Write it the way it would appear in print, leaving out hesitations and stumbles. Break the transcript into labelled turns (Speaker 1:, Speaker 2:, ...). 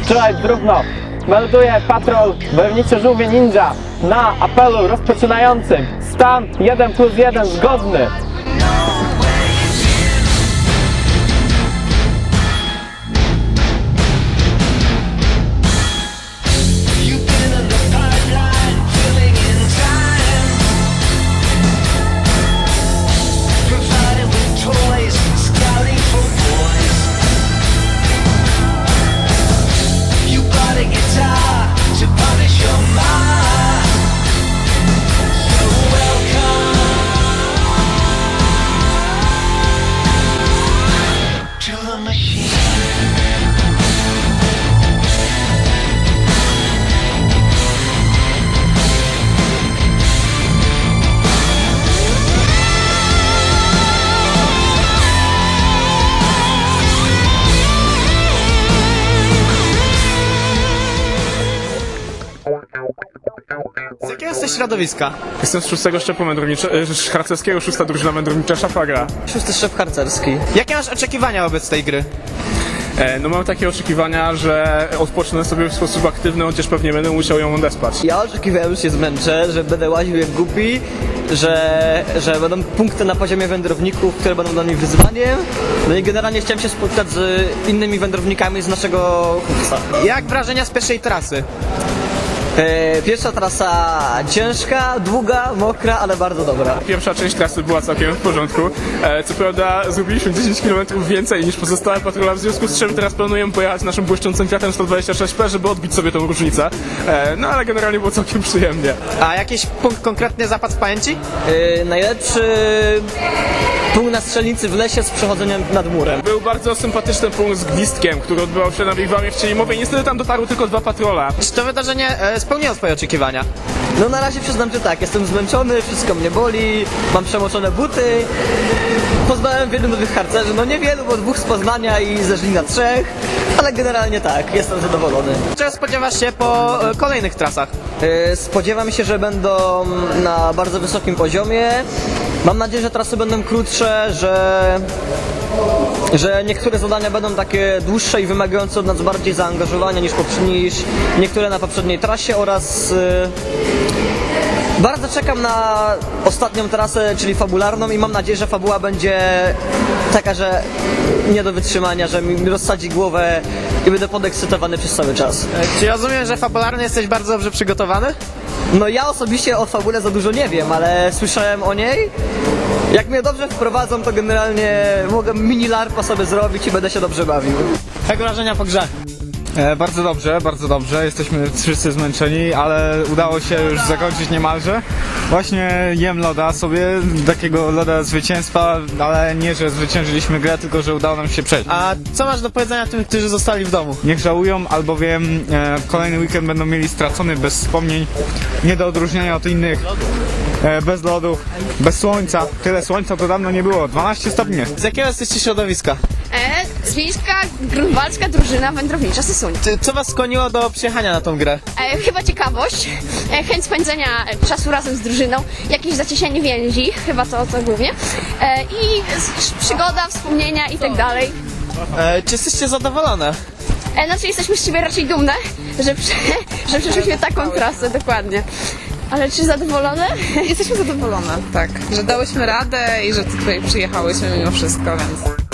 Speaker 1: Strzelać w równo. Melduje patrol wojowniczy żółwie ninja na apelu rozpoczynającym. Stan 1+1 zgodny.
Speaker 2: Z jakiego jesteś środowiska?
Speaker 3: Jestem z 6 szczepu harcerskiego, 6. drużyna wędrownicza Szafagra.
Speaker 2: 6. szczep harcerski. Jakie masz oczekiwania wobec tej gry?
Speaker 3: No mam takie oczekiwania, że odpocznę sobie w sposób aktywny, chociaż pewnie będę musiał ją odespać.
Speaker 4: Ja oczekiwałem, że się zmęczę, że będę łaził jak głupi, że będą punkty na poziomie wędrowników, które będą dla mnie wyzwaniem. No i generalnie chciałem się spotkać z innymi wędrownikami z naszego kursa.
Speaker 2: Jak wrażenia z pierwszej trasy?
Speaker 4: Pierwsza trasa ciężka, długa, mokra, ale bardzo dobra.
Speaker 3: Pierwsza część trasy była całkiem w porządku. Co prawda zrobiliśmy 10 km więcej niż pozostałe patrola, w związku z czym teraz planujemy pojechać naszym błyszczącym Fiatem 126P, żeby odbić sobie tą różnicę. No ale generalnie było całkiem przyjemnie.
Speaker 2: A jakiś punkt konkretnie zapadł w pamięci?
Speaker 4: Najlepszy punkt na strzelnicy w lesie z przechodzeniem nad murem.
Speaker 3: Był bardzo sympatyczny punkt z gwizdkiem, który odbywał się na Wigwamie w Cienimowej. Niestety tam dotarły tylko 2 patrola.
Speaker 2: Czy to wydarzenie spełniło twoje oczekiwania?
Speaker 4: No na razie przyznam, że tak, jestem zmęczony, wszystko mnie boli, mam przemoczone buty. Poznałem wielu nowych harcerzy, no niewielu, bo 2 z Poznania i ze Żlina 3, ale generalnie tak, jestem zadowolony.
Speaker 2: Czego spodziewasz się po kolejnych trasach?
Speaker 4: Spodziewam się, że będą na bardzo wysokim poziomie. Mam nadzieję, że trasy będą krótsze, że niektóre zadania będą takie dłuższe i wymagające od nas bardziej zaangażowania niż niektóre na poprzedniej trasie oraz bardzo czekam na ostatnią trasę, czyli fabularną i mam nadzieję, że fabuła będzie taka, że nie do wytrzymania, że mi rozsadzi głowę i będę podekscytowany przez cały czas.
Speaker 2: Czy rozumiem, że fabularnie jesteś bardzo dobrze przygotowany?
Speaker 4: No ja osobiście o fabule za dużo nie wiem, ale słyszałem o niej. Jak mnie dobrze wprowadzą, to generalnie mogę mini larpa sobie zrobić i będę się dobrze bawił.
Speaker 2: Jak wrażenia po grze?
Speaker 5: Bardzo dobrze. Jesteśmy wszyscy zmęczeni, ale udało się już zakończyć niemalże. Właśnie jem loda sobie, takiego loda zwycięstwa, ale nie, że zwyciężyliśmy grę, tylko że udało nam się przejść.
Speaker 2: A co masz do powiedzenia tym, którzy zostali w domu?
Speaker 5: Niech żałują, albowiem kolejny weekend będą mieli stracony bez wspomnień, nie do odróżnienia od innych. Bez lodów, bez słońca. Tyle słońca to dawno nie było. 12 stopni.
Speaker 2: Z jakiego jesteście środowiska?
Speaker 6: Zwiejska grunwaldzka drużyna wędrownicza Sysuń.
Speaker 2: Co was skłoniło do przyjechania na tą grę?
Speaker 6: Chyba ciekawość, chęć spędzenia czasu razem z drużyną, jakieś zacieśnianie więzi, chyba to głównie, i przygoda, wspomnienia i tak dalej.
Speaker 2: Czy jesteście zadowolone?
Speaker 6: Znaczy jesteśmy z siebie raczej dumne, że przeszliśmy taką trasę, dokładnie. Ale czy zadowolone?
Speaker 7: Jesteśmy zadowolone, tak, że dałyśmy radę i że tutaj przyjechałyśmy mimo wszystko, więc...